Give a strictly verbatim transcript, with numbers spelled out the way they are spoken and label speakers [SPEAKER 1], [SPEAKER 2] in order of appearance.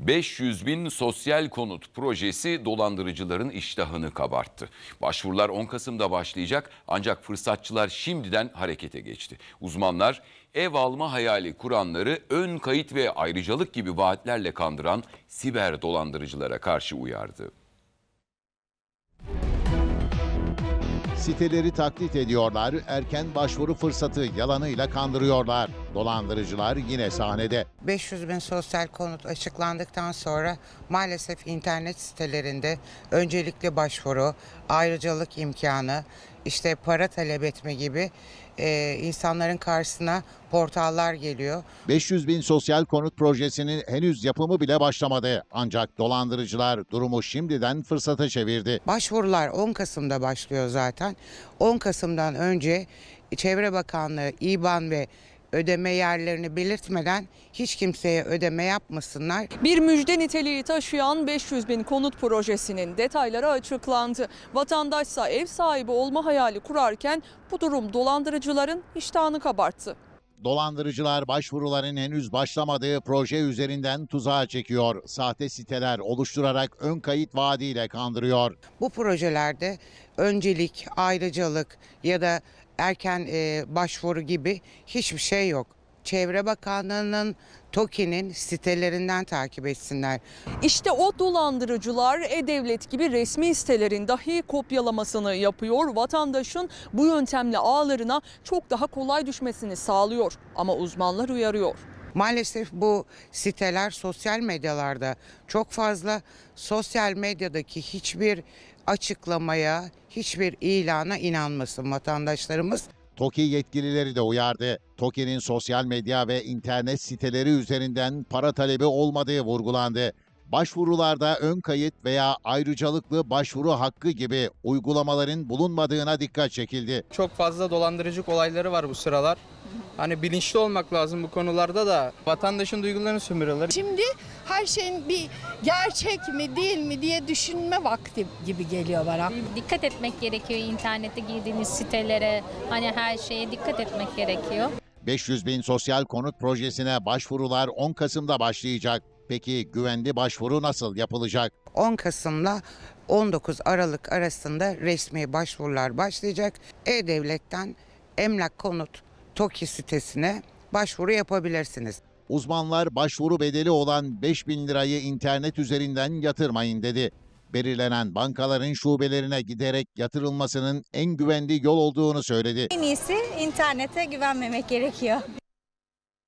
[SPEAKER 1] beş yüz bin sosyal konut projesi dolandırıcıların iştahını kabarttı. Başvurular on Kasım'da başlayacak ancak fırsatçılar şimdiden harekete geçti. Uzmanlar ev alma hayali kuranları ön kayıt ve ayrıcalık gibi vaatlerle kandıran siber dolandırıcılara karşı uyardı.
[SPEAKER 2] Siteleri taklit ediyorlar, erken başvuru fırsatı yalanıyla kandırıyorlar. Dolandırıcılar yine sahnede.
[SPEAKER 3] beş yüz bin sosyal konut açıklandıktan sonra maalesef internet sitelerinde öncelikli başvuru, ayrıcalık imkanı, işte para talep etme gibi e, insanların karşısına portallar geliyor.
[SPEAKER 2] beş yüz bin sosyal konut projesinin henüz yapımı bile başlamadı. Ancak dolandırıcılar durumu şimdiden fırsata çevirdi.
[SPEAKER 3] Başvurular on Kasım'da başlıyor zaten. on Kasım'dan önce Çevre Bakanlığı İBAN ve ödeme yerlerini belirtmeden hiç kimseye ödeme yapmasınlar.
[SPEAKER 4] Bir müjde niteliği taşıyan beş yüz bin konut projesinin detayları açıklandı. Vatandaşsa ev sahibi olma hayali kurarken bu durum dolandırıcıların iştahını kabarttı.
[SPEAKER 2] Dolandırıcılar başvuruların henüz başlamadığı proje üzerinden tuzağa çekiyor. Sahte siteler oluşturarak ön kayıt vaadiyle kandırıyor.
[SPEAKER 3] Bu projelerde öncelik, ayrıcalık ya da erken e, başvuru gibi hiçbir şey yok. Çevre Bakanlığı'nın TOKİ'nin sitelerinden takip etsinler.
[SPEAKER 4] İşte o dolandırıcılar E-Devlet gibi resmi sitelerin dahi kopyalamasını yapıyor. Vatandaşın bu yöntemle ağlarına çok daha kolay düşmesini sağlıyor. Ama uzmanlar uyarıyor.
[SPEAKER 3] Maalesef bu siteler sosyal medyalarda çok fazla. Sosyal medyadaki hiçbir açıklamaya, hiçbir ilana inanmasın vatandaşlarımız.
[SPEAKER 2] TOKİ yetkilileri de uyardı. TOKİ'nin sosyal medya ve internet siteleri üzerinden para talebi olmadığı vurgulandı. Başvurularda ön kayıt veya ayrıcalıklı başvuru hakkı gibi uygulamaların bulunmadığına dikkat çekildi.
[SPEAKER 5] Çok fazla dolandırıcılık olayları var bu sıralar. Hani bilinçli olmak lazım bu konularda da. Vatandaşın duygularını sömürüyorlar.
[SPEAKER 6] Şimdi her şeyin bir gerçek mi değil mi diye düşünme vakti gibi geliyor bana.
[SPEAKER 7] Dikkat etmek gerekiyor internette girdiğiniz sitelere, hani her şeye dikkat etmek gerekiyor.
[SPEAKER 2] beş yüz bin sosyal konut projesine başvurular on Kasım'da başlayacak. Peki güvenli başvuru nasıl yapılacak?
[SPEAKER 3] on Kasım'la on dokuz Aralık arasında resmi başvurular başlayacak. E-Devlet'ten Emlak Konut TOKİ sitesine başvuru yapabilirsiniz.
[SPEAKER 2] Uzmanlar başvuru bedeli olan beş bin lirayı internet üzerinden yatırmayın dedi. Belirlenen bankaların şubelerine giderek yatırılmasının en güvenli yol olduğunu söyledi.
[SPEAKER 8] En iyisi internete güvenmemek gerekiyor.